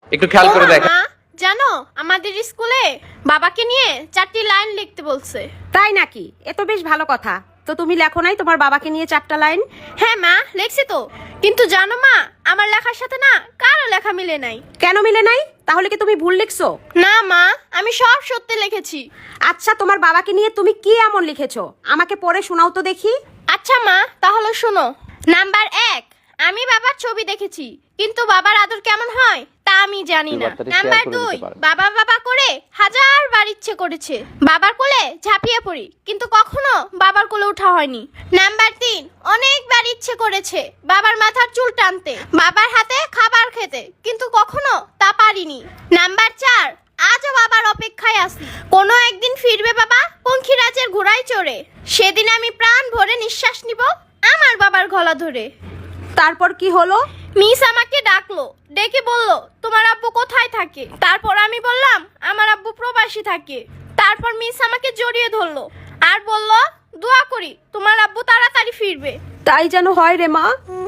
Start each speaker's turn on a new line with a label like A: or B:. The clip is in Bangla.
A: একটু খেয়াল করে দেখেন।
B: মা, জানো আমাদের স্কুলে বাবাকে নিয়ে 4টি লাইন লিখতে বলছে।
C: তাই নাকি? এ তো বেশ ভালো কথা। তো তুমি লেখো নাই তোমার বাবাকে নিয়ে 4টা লাইন?
B: হ্যাঁ মা, লিখছি তো। কিন্তু জানো মা, আমার লেখার সাথে না কারো লেখা মিলে নাই।
C: কেন মিলে নাই? তাহলে কি তুমি ভুল লিখছো?
B: না মা, আমি সব সত্যি লিখেছি।
C: আচ্ছা, তোমার বাবাকে নিয়ে তুমি কি এমন লিখেছো? আমাকে পড়ে শোনাও তো দেখি।
B: আচ্ছা মা, তাহলে শোনো। নাম্বার 1, আমি বাবার ছবি দেখেছি, কিন্তু বাবার আদর কেমন হয় তা আমি জানি না। নাম্বার 2, বাবা বাবা করে হাজারবার ইচ্ছে করেছে বাবার কোলে ঝাঁপিয়ে পড়ি, কিন্তু কখনো বাবার কোলে ওঠা হয়নি। নাম্বার 3, অনেকবার ইচ্ছে করেছে বাবার মাথার চুল টানতে, বাবার হাতে খাবার খেতে, কিন্তু কখনো তা পারিনি। নাম্বার 4, আজও বাবার অপেক্ষায় আছি, কোনো একদিন ফিরবে বাবা পঙ্খিরাজের ঘোড়ায় চড়ে, সেদিন আমি প্রাণ ভরে নিঃশ্বাস নিব আমার বাবার গলা ধরে।
C: তারপর কি হলো?
B: মিস আমাকে ডাকলো, ডেকে বলল তোমার আব্বু কোথায় থাকে। তারপর আমি বললাম আমার আব্বু প্রবাসী থাকে। তারপর মিস আমাকে জড়িয়ে ধরলো আর বলল দোয়া করি তোমার আব্বু তাড়াতাড়ি ফিরবে।
C: তাই যেন হয় রে মা।